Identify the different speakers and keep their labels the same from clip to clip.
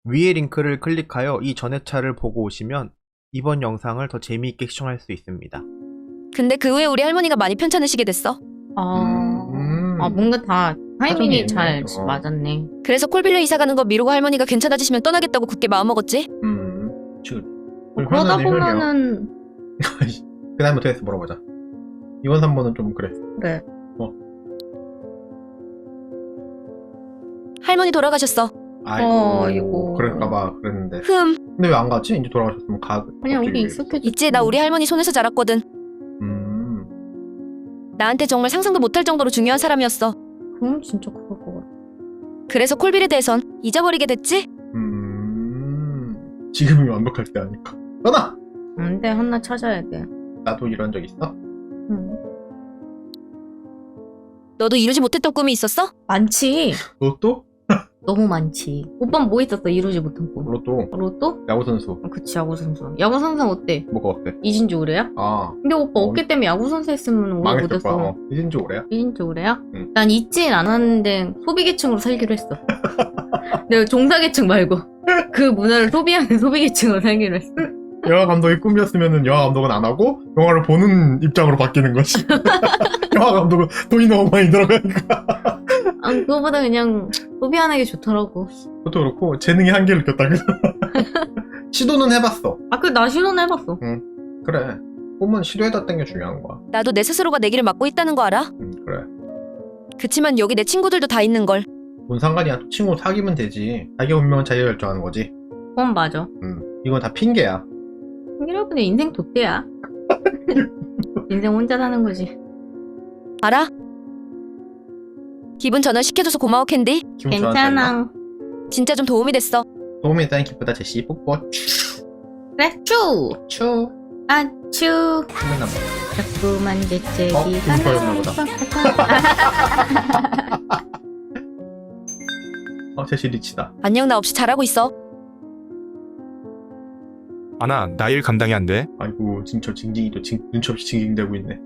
Speaker 1: 위의 링크를 클릭하여 이 전회차를 보고 오시면 이번 영상을 더 재미있게 시청할 수 있습니다.
Speaker 2: 근데 그 후에 우리 할머니가 많이 편찮으시게 됐어.
Speaker 3: 뭔가 다 타이밍이 잘
Speaker 1: 있네.
Speaker 3: 맞았네.
Speaker 2: 그래서 콜빌려 이사 가는 거 미루고 할머니가 괜찮아지시면 떠나겠다고 굳게 마음먹었지.
Speaker 1: 지금
Speaker 3: 그러다 보면은
Speaker 1: 그 다음에 어떻게 했어 물어보자. 2번 3번은 좀 그래.
Speaker 3: 그래.
Speaker 2: 할머니 돌아가셨어.
Speaker 3: 아이고.
Speaker 1: 그럴까봐 그랬는데.
Speaker 2: 흠.
Speaker 1: 근데 왜 안 갔지? 이제 돌아가셨으면
Speaker 3: 그냥
Speaker 1: 갑자기
Speaker 3: 여기 익숙해져.
Speaker 2: 있지, 나 우리 할머니 손에서 자랐거든. 나한테 정말 상상도 못할 정도로 중요한 사람이었어.
Speaker 3: 그럼 진짜 그럴 것 같아.
Speaker 2: 그래서 콜빌에 대해선 잊어버리게 됐지?
Speaker 1: 지금이 완벽할 때 아닐까. 떠나!
Speaker 3: 안돼, 하나 찾아야 돼.
Speaker 1: 나도 이런 적 있어?
Speaker 2: 너도 이루지 못했던 꿈이 있었어?
Speaker 3: 많지.
Speaker 1: 로또?
Speaker 3: 너무 많지. 오빠는 뭐 있었어? 이루지 못한 꿈.
Speaker 1: 로또.
Speaker 3: 로또?
Speaker 1: 야구선수.
Speaker 3: 그치, 야구선수. 야구선수 어때?
Speaker 1: 뭐가 어때?
Speaker 3: 이진주 올해야?
Speaker 1: 근데
Speaker 3: 오빠 어깨 때문에 야구선수 했으면 오래
Speaker 1: 망했을 거야.
Speaker 3: 못했어.
Speaker 1: 이진주 올해야?
Speaker 3: 이진주 올해야?
Speaker 1: 응.
Speaker 3: 난 있진 않았는데 소비계층으로 살기로 했어. 내가 종사계층 말고 그 문화를 소비하는 소비계층으로 살기로 했어.
Speaker 1: 영화 감독이 꿈이었으면 영화 감독은 안 하고 영화를 보는 입장으로 바뀌는 거지. 영화 감독은 돈이 너무 많이 들어가니까.
Speaker 3: 그거보다 그냥 소비하는 게 좋더라고.
Speaker 1: 그것도 그렇고 재능의 한계를 느꼈다. 시도는 해봤어.
Speaker 3: 나 시도는 해봤어.
Speaker 1: 그래. 꿈은 시도해봤다는 게 중요한 거야.
Speaker 2: 나도 내 스스로가 내 길을 막고 있다는 거 알아?
Speaker 1: 그래.
Speaker 2: 그치만 여기 내 친구들도 다 있는걸.
Speaker 1: 뭔 상관이야. 또 친구 사귀면 되지. 자기 운명은 자기가 결정하는 거지.
Speaker 3: 그건 맞아.
Speaker 1: 이건 다 핑계야.
Speaker 3: 여러분의 인생 돛대야. 인생 혼자 사는 거지.
Speaker 2: 알아? 기분 전환시켜줘서 고마워 캔디.
Speaker 1: 기분 좋아졌나?
Speaker 3: 괜찮아.
Speaker 2: 진짜 좀 도움이 됐어.
Speaker 1: 도움이 됐다니 기쁘다 제시. 뽀뽀.
Speaker 3: 그래, 쭈!
Speaker 1: 추.
Speaker 3: 쭈!
Speaker 1: 생각나 봐.
Speaker 3: 자꾸만 재채기가
Speaker 1: 인파였나 보다. 제시 리치다.
Speaker 2: 안녕, 나 없이 잘하고 있어.
Speaker 4: 아나, 나 일 감당이 안 돼.
Speaker 1: 아이고 진짜 징징이도 눈치 없이 징징대고 있네.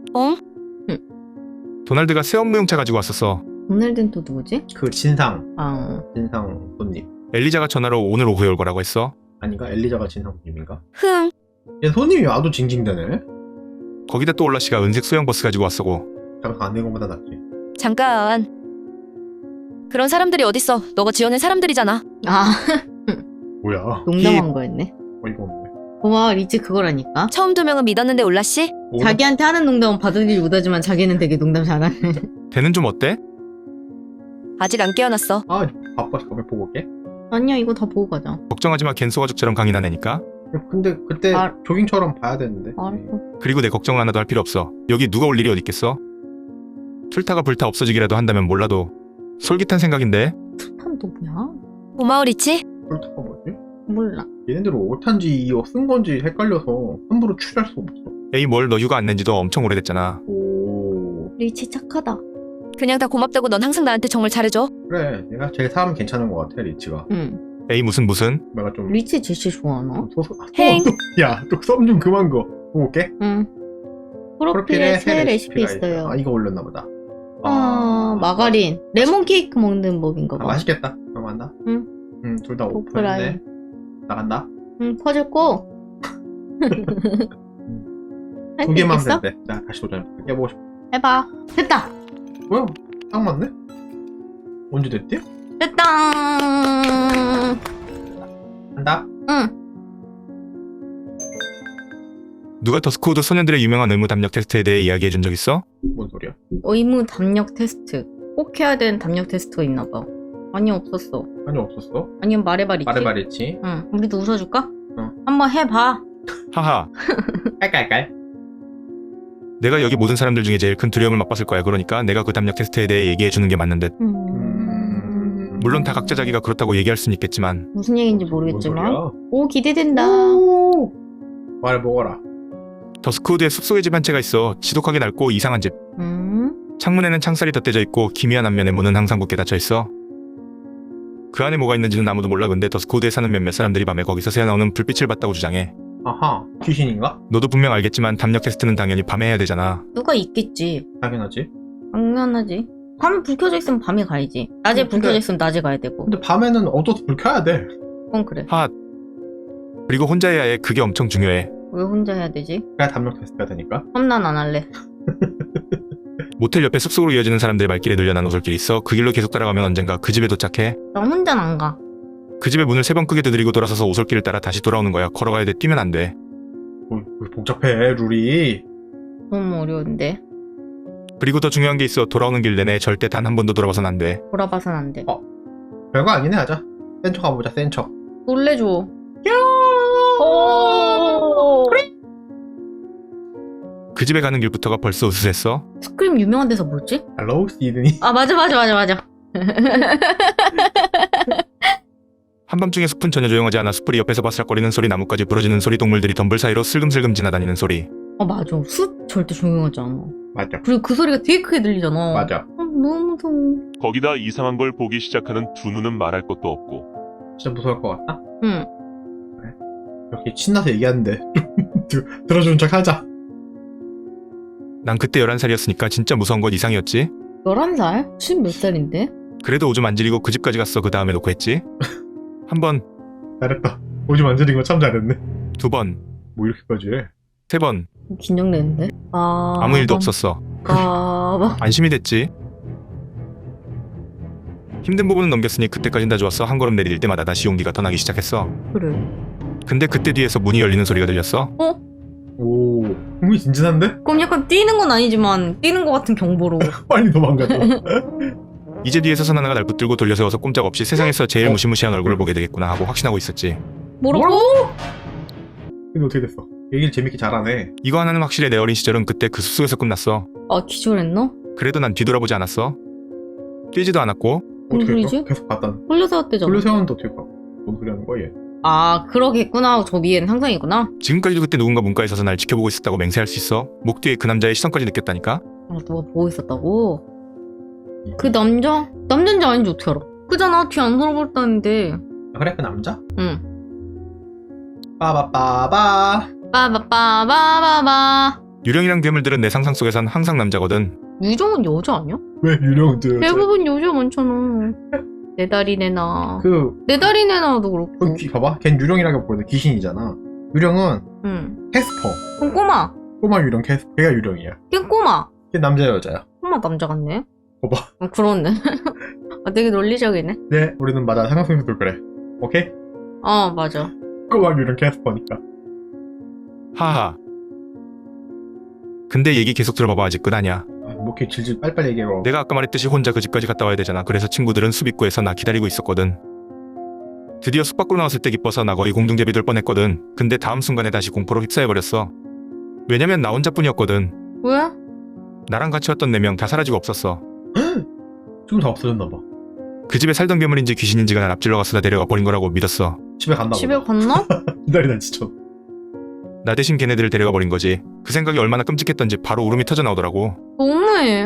Speaker 4: 도날드가 새 업무용차 가지고 왔었어.
Speaker 3: 오늘은 또 누구지?
Speaker 1: 그 진상
Speaker 3: 어.
Speaker 1: 손님.
Speaker 4: 엘리자가 전화로 오늘 오후에 올 거라고 했어.
Speaker 1: 아닌가? 엘리자가 진상 손님인가?
Speaker 2: 흥.
Speaker 1: 얘 손님이 와도 징징대네?
Speaker 4: 거기다 또 올라 씨가 은색 소형 버스 가지고 왔어고.
Speaker 1: 잠깐 안 된 것보다 낫지.
Speaker 2: 잠깐. 그런 사람들이 어딨어. 너가 지어낸 사람들이잖아.
Speaker 1: 뭐야?
Speaker 3: 농담한 거였네.
Speaker 1: 이거 없네.
Speaker 3: 고마워, 리치 그거라니까.
Speaker 2: 처음 2명은 믿었는데 올라씨?
Speaker 3: 자기한테 하는 농담은 받아들이지 못하지만 자기는 되게 농담 잘하네.
Speaker 4: 배는 좀 어때?
Speaker 2: 아직 안 깨어났어.
Speaker 1: 바빠서 가면 보고 올게.
Speaker 3: 아니야, 이거 다 보고 가자.
Speaker 4: 걱정하지 마. 겐소 가족처럼 강인한 애니까.
Speaker 1: 근데 그때
Speaker 3: 아.
Speaker 1: 조깅처럼 봐야 되는데.
Speaker 3: 알았어.
Speaker 4: 그리고 내 걱정 하나도 할 필요 없어. 여기 누가 올 일이 어딨겠어? 출타가 불타 없어지기라도 한다면 몰라도 솔깃한 생각인데.
Speaker 3: 술탄 또 뭐야?
Speaker 2: 고마워, 리치.
Speaker 1: 폴타가 뭐지?
Speaker 3: 몰라.
Speaker 1: 얘네들은 5탄지 쓴 건지 헷갈려서 함부로 추리할 수 없어.
Speaker 4: 에이 뭘 너 휴가 안 낸 지도 엄청 오래됐잖아.
Speaker 1: 오.
Speaker 3: 리치 착하다.
Speaker 2: 그냥 다 고맙다고. 넌 항상 나한테 정말 잘해줘.
Speaker 1: 그래, 내가 제일 사람 괜찮은 것 같아, 리치가.
Speaker 3: 응.
Speaker 4: 에이 무슨
Speaker 1: 내가 좀
Speaker 3: 리치 제시 좋아하나?
Speaker 2: 행.
Speaker 1: 야, 또 썸 좀 그만 거. 보고 올게.
Speaker 3: 응. 프로필에 새 레시피 있어요.
Speaker 1: 이거 올렸나 보다.
Speaker 3: 마가린. 레몬 케이크 먹는 법인가 봐.
Speaker 1: 맛있겠다. 그럼 간다.
Speaker 3: 응.
Speaker 1: 둘 다
Speaker 3: 오프라인.
Speaker 1: 오픈인데. 나간다.
Speaker 3: 응, 퍼즐 꼭.
Speaker 1: 두 개만 하면 돼. 나 다시 도전해. 해보고 싶어.
Speaker 3: 해봐. 됐다.
Speaker 1: 뭐야? 딱 맞네? 언제 됐지?
Speaker 3: 됐다.
Speaker 1: 한다?
Speaker 3: 응.
Speaker 4: 누가 더스코드 소년들의 유명한 의무 담력 테스트에 대해 이야기해 준 적 있어?
Speaker 1: 뭔 소리야?
Speaker 3: 의무 담력 테스트. 꼭 해야 되는 담력 테스트가 있나 봐. 아니, 없었어.
Speaker 1: 아니, 없었어?
Speaker 3: 아니면 말해봐, 리치.
Speaker 1: 말해봐, 리치.
Speaker 3: 응. 우리도 웃어줄까?
Speaker 1: 응.
Speaker 3: 한번 해봐.
Speaker 4: 하하.
Speaker 1: 깔깔깔.
Speaker 4: 내가 여기 모든 사람들 중에 제일 큰 두려움을 맛봤을 거야. 그러니까 내가 그 담력 테스트에 대해 얘기해 주는 게 맞는 듯. 물론 다 각자 자기가 그렇다고 얘기할 수는 있겠지만
Speaker 3: 무슨 얘기인지
Speaker 1: 뭔
Speaker 3: 모르겠지만.
Speaker 1: 소리야?
Speaker 3: 오, 기대된다.
Speaker 1: 말해보거라.
Speaker 4: 더스코드에 숲속의 집 한 채가 있어. 지독하게 낡고 이상한 집. 창문에는 창살이 덧대져 있고 기미한 앞면에 문은 항상 굳게 닫혀 있어. 그 안에 뭐가 있는지는 아무도 몰라. 근데 더스코드에 사는 몇몇 사람들이 밤에 거기서 새어나오는 불빛을 봤다고 주장해.
Speaker 1: 아하, 귀신인가?
Speaker 4: 너도 분명 알겠지만 담력 테스트는 당연히 밤에 해야 되잖아.
Speaker 3: 누가 있겠지.
Speaker 1: 당연하지.
Speaker 3: 당연하지. 밤에 불 켜져 있으면 밤에 가야지. 낮에 불
Speaker 1: 근데-
Speaker 3: 켜져 있으면 낮에 가야 되고.
Speaker 1: 근데 밤에는 어두워서 불 켜야 돼.
Speaker 3: 그건 그래.
Speaker 4: 하. 그리고 혼자 해야 해. 그게 엄청 중요해.
Speaker 3: 왜 혼자 해야 되지?
Speaker 1: 그냥 담력 테스트가 되니까.
Speaker 3: 험난 안 할래.
Speaker 4: 모텔 옆에 숲속으로 이어지는 사람들의 말길에 늘려난 오솔길이 있어. 그 길로 계속 따라가면 언젠가 그 집에 도착해.
Speaker 3: 나 혼자는 안 가.
Speaker 4: 그 집의 문을 3번 크게 두드리고 돌아서서 오솔길을 따라 다시 돌아오는 거야. 걸어가야 돼. 뛰면 안 돼.
Speaker 1: 복잡해 룰이.
Speaker 3: 너무 어려운데.
Speaker 4: 그리고 더 중요한 게 있어. 돌아오는 길 내내 절대 단 한 번도 돌아봐선 안 돼.
Speaker 3: 돌아봐선 안 돼.
Speaker 1: 별거 아니네 하자. 센 척 가보자 센 척.
Speaker 3: 놀래줘.
Speaker 4: 그 집에 가는 길부터가 벌써 으스했어.
Speaker 3: 스크림 유명한 데서 뭐지?
Speaker 1: 헬로우 시드니.
Speaker 3: 아 맞아.
Speaker 4: 한밤중에 숲은 전혀 조용하지 않아. 숲풀이 옆에서 바스락거리는 소리, 나뭇가지 부러지는 소리, 동물들이 덤불 사이로 슬금슬금 지나다니는 소리.
Speaker 3: 아 맞아. 숲 절대 조용하지 않아.
Speaker 1: 맞아.
Speaker 3: 그리고 그 소리가 되게 크게 들리잖아.
Speaker 1: 맞아.
Speaker 3: 너무 무서워.
Speaker 5: 거기다 이상한 걸 보기 시작하는 두 눈은 말할 것도 없고
Speaker 1: 진짜 무서울 것 같다.
Speaker 3: 응.
Speaker 1: 이렇게 신나서 얘기하는데 들어주는 척 하자.
Speaker 4: 난 그때 11살이었으니까 진짜 무서운 건 이상이었지.
Speaker 3: 11살? 지금 몇 살인데?
Speaker 4: 그래도 오줌 안 지리고 그 집까지 갔어. 그 다음에 놓고 했지. 한 번,
Speaker 1: 잘했다. 오줌 안 지린 거 참 잘했네.
Speaker 4: 2번,
Speaker 1: 뭐 이렇게까지 해.
Speaker 4: 3번.
Speaker 3: 긴장되는데?
Speaker 4: 아무 일도 없었어. 안심이 됐지. 힘든 부분은 넘겼으니 그때까진 다 좋았어. 한 걸음 내릴 때마다 다시 용기가 더 나기 시작했어.
Speaker 3: 그래.
Speaker 4: 근데 그때 뒤에서 문이 열리는 소리가 들렸어.
Speaker 1: 오, 흥미진진한데?
Speaker 3: 그럼 약간 뛰는 건 아니지만 뛰는 것 같은 경보로.
Speaker 1: 빨리 도망가자.
Speaker 4: 이제 뒤에서 선 하나가 날 붙들고 돌려세워서 꼼짝없이 세상에서 제일 무시무시한 얼굴을 보게 되겠구나 하고 확신하고 있었지.
Speaker 3: 뭐라고?
Speaker 1: 근데 어떻게 됐어? 얘기를 재밌게 잘하네.
Speaker 4: 이거 하나는 확실해. 내 어린 시절은 그때 그 숲속에서 끝났어.
Speaker 3: 아 기절했나?
Speaker 4: 그래도 난 뒤돌아보지 않았어. 뛰지도 않았고.
Speaker 1: 어떻게
Speaker 3: 소리지?
Speaker 1: 했어? 계속 갔다.
Speaker 3: 홀려세웠대잖아.
Speaker 1: 돌려세웠는데 어떻게 가? 뭔 소리 하는 거야 얘?
Speaker 3: 아 그러겠구나. 저 위에는 상상이구나.
Speaker 4: 지금까지도 그때 누군가 문가에 서서 날 지켜보고 있었다고 맹세할 수 있어. 목 뒤에 그 남자의 시선까지 느꼈다니까.
Speaker 3: 아 누가 보고 있었다고? 그 남자? 남자인지 아닌지 어떻게 알아? 그잖아. 뒤 안 돌아봤다는데.
Speaker 1: 아, 그래 그 남자?
Speaker 3: 응.
Speaker 1: 빠바빠바.
Speaker 3: 빠바빠바바바.
Speaker 4: 유령이랑 괴물들은 내 상상 속에선 항상 남자거든.
Speaker 3: 유정은 여자 아니야?
Speaker 1: 왜 유령들?
Speaker 3: 대부분 여자 많잖아. 내 다리 내놔.
Speaker 1: 그
Speaker 3: 내 다리 내놔도 그렇고.
Speaker 1: 봐봐. 걘 유령이라기보다 귀신이잖아. 유령은
Speaker 3: 응.
Speaker 1: 캐스퍼.
Speaker 3: 그럼 꼬마.
Speaker 1: 꼬마 유령 캐스퍼. 걔가 유령이야.
Speaker 3: 걘 꼬마.
Speaker 1: 걔 남자 여자야.
Speaker 3: 꼬마 남자 같네.
Speaker 1: 봐봐.
Speaker 3: 그렇네. 아, 되게 논리적이네.
Speaker 1: 네, 우리는 맞아. 상상 속에서도 그래. 오케이?
Speaker 3: 맞아.
Speaker 1: 꼬마 유령 캐스퍼니까.
Speaker 4: 하하. 근데 얘기 계속 들어봐봐. 아직 끝 아니야.
Speaker 1: 뭐 이렇게 질질 빨리빨리 얘기해봐.
Speaker 4: 내가 아까 말했듯이 혼자 그 집까지 갔다 와야 되잖아. 그래서 친구들은 숲 입구에서 나 기다리고 있었거든. 드디어 숲 밖으로 나왔을 때 기뻐서 나 거의 공중제비 될 뻔했거든. 근데 다음 순간에 다시 공포로 휩싸여버렸어. 왜냐면 나 혼자뿐이었거든.
Speaker 3: 왜?
Speaker 4: 나랑 같이 왔던 4명 다 사라지고 없었어.
Speaker 1: 지금 다 없어졌나봐.
Speaker 4: 그 집에 살던 괴물인지 귀신인지가 날 앞질러 가서 나 데려가 버린 거라고 믿었어.
Speaker 1: 집에 갔나
Speaker 3: 집에
Speaker 1: 보다.
Speaker 3: 갔나?
Speaker 1: 기다리다 지쳐.
Speaker 4: 나 대신 걔네들을 데려가 버린 거지. 그 생각이 얼마나 끔찍했던지 바로 울음이 터져 나오더라고.
Speaker 3: 너무해.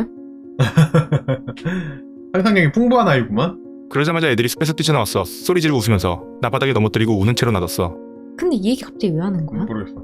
Speaker 1: 상상력이 풍부한 아이구만.
Speaker 4: 그러자마자 애들이 숲에서 뛰쳐나왔어. 소리 지르고 웃으면서 나 바닥에 넘어뜨리고 우는 채로 놔뒀어.
Speaker 3: 근데 이 얘기 갑자기 왜 하는 거야?
Speaker 1: 모르겠어.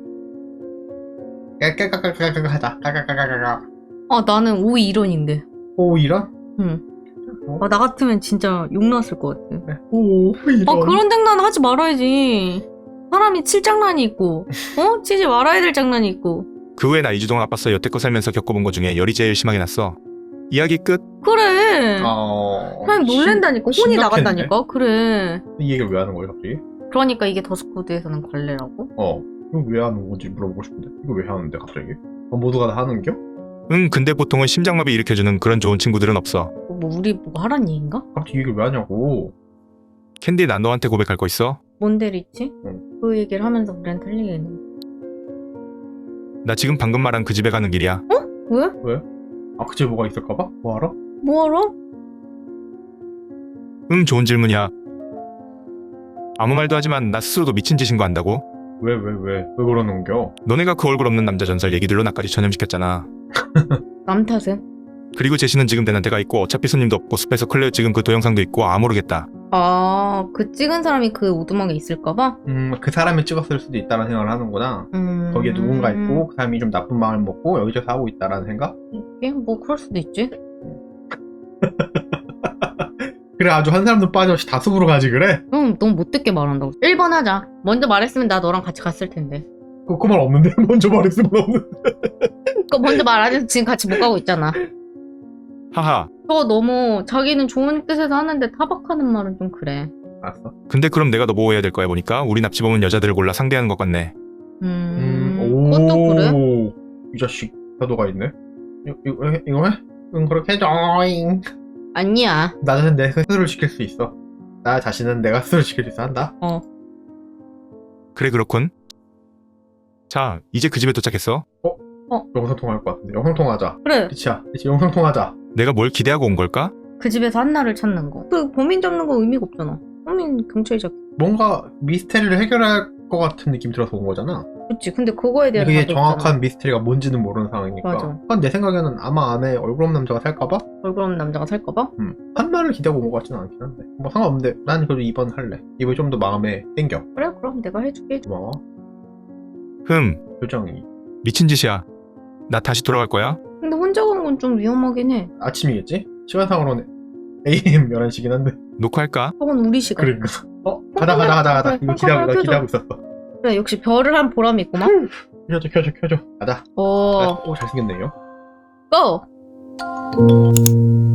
Speaker 1: 까까까까까까 하자. 까까까까까.
Speaker 3: 나는 오이 이론인데.
Speaker 1: 오 이런?
Speaker 3: 응. 나 같으면 진짜 욕 나왔을 것 같아.
Speaker 1: 오 이런.
Speaker 3: 그런 장난 하지 말아야지. 사람이 칠 장난이 있고, 치지 말아야 될 장난이 있고.
Speaker 4: 그 후에 나 2주 동안 아팠어. 여태껏 살면서 겪어본 것 중에 열이 제일 심하게 났어. 이야기 끝.
Speaker 3: 그래. 그냥 놀랜다니까. 혼이
Speaker 1: 심각했네.
Speaker 3: 나간다니까. 그래.
Speaker 1: 이 얘기를 왜 하는 거야 갑자기?
Speaker 3: 그러니까 이게 더스코드에서는 관례라고?
Speaker 1: 이거 왜 하는 건지 물어보고 싶은데. 이거 왜 하는데 갑자기? 모두가 다 하는겨?
Speaker 4: 응, 근데 보통은 심장마비 일으켜주는 그런 좋은 친구들은 없어.
Speaker 3: 우리 뭐 하란 얘기인가?
Speaker 1: 갑자기 이 얘기를 왜 하냐고.
Speaker 4: 캔디, 난 너한테 고백할 거 있어?
Speaker 3: 뭔 데리 있지?
Speaker 1: 응.
Speaker 3: 그 얘기를 하면서 우리는 틀리겠네.
Speaker 4: 나 지금 방금 말한 그 집에 가는 길이야.
Speaker 3: 왜?
Speaker 1: 그 집에 뭐가 있을까봐? 뭐하러?
Speaker 3: 뭐하러?
Speaker 4: 응, 좋은 질문이야. 아무 말도 하지만 나 스스로도 미친 짓인 거 안다고?
Speaker 1: 왜 그러는겨?
Speaker 4: 너네가 그 얼굴 없는 남자 전설 얘기들로 나까지 전염시켰잖아.
Speaker 3: 남 탓은?
Speaker 4: 그리고 제시는 지금 대낮에가 있고 어차피 손님도 없고 숲에서 클레어 찍은 그 동영상도 있고 모르겠다.
Speaker 3: 그 찍은 사람이 그 오두막에 있을까봐?
Speaker 1: 그 사람이 찍었을 수도 있다는 생각을 하는구나. 거기에 누군가 있고 그 사람이 좀 나쁜 마음을 먹고 여기저기서 하고 있다라는 생각?
Speaker 3: 이게 뭐 그럴 수도 있지.
Speaker 1: 그래 아주 한 사람도 빠짐없이 다 숲으로 가지 그래?
Speaker 3: 형 너무 못 듣게 말한다고. 1번 하자. 먼저 말했으면 나 너랑 같이 갔을 텐데.
Speaker 1: 그 말 없는데? 먼저 말했으면 없는데.
Speaker 3: 그거 먼저 말 안 해서 지금 같이 못 가고 있잖아.
Speaker 4: 하하.
Speaker 3: 저거 너무 자기는 좋은 뜻에서 하는데 타박하는 말은 좀 그래.
Speaker 1: 알았어.
Speaker 4: 근데 그럼 내가 너 보호해야 될 거야 보니까 우리 납치범은 여자들을 골라 상대하는 것 같네.
Speaker 3: 그것도 그래?
Speaker 1: 이 자식 태도가 있네. 이거 해? 응 그렇게 해줘잉.
Speaker 3: 아니야.
Speaker 1: 나 자신 내 스스로를 지킬 수 있어. 나 자신은 내가 스스로 지킬 수 있어 한다.
Speaker 4: 그래 그렇군. 자 이제 그 집에 도착했어.
Speaker 1: 영상 통화할 것 같은데. 영상 통화하자.
Speaker 3: 그래.
Speaker 1: 그치야. 그치 영상 통화하자.
Speaker 4: 내가 뭘 기대하고 온 걸까?
Speaker 3: 그 집에서 한나를 찾는 거. 그 범인 잡는 거 의미가 없잖아. 범인 경찰이 잡.
Speaker 1: 뭔가 미스테리를 해결할 것 같은 느낌 들어서 온 거잖아.
Speaker 3: 그치. 근데 그거에 대한
Speaker 1: 그게
Speaker 3: 답이
Speaker 1: 정확한
Speaker 3: 없잖아.
Speaker 1: 미스테리가 뭔지는 모르는 상황이니까.
Speaker 3: 맞아.
Speaker 1: 한 내 생각에는 아마 안에 얼굴 없는 남자가 살까봐?
Speaker 3: 얼굴 없는 남자가 살까봐?
Speaker 1: 한마를 기대하고 온 것 같지는 않긴 한데. 뭐 상관없는데 난 그래도 2번 할래. 2번이 좀 더 마음에 땡겨.
Speaker 3: 그래 그럼 내가 해줄게.
Speaker 1: 고마워. 표정이.
Speaker 4: 미친 짓이야. 나 다시 돌아갈 거야?
Speaker 3: 근데 혼자 가는 건 좀 위험하긴 해.
Speaker 1: 아침이겠지? 시간상으로는 AM 11시긴 한데.
Speaker 4: 녹화할까?
Speaker 3: 저건 우리 시간.
Speaker 1: 그러니까. 가자.
Speaker 3: 그래,
Speaker 1: 이거
Speaker 3: 깜깜하게 켜줘.
Speaker 1: 기대하고 있었어.
Speaker 3: 그래 역시 별을 한 보람이 있구만.
Speaker 1: 켜줘. 가자.
Speaker 3: 오.
Speaker 1: 오, 잘생겼네요.
Speaker 3: 고!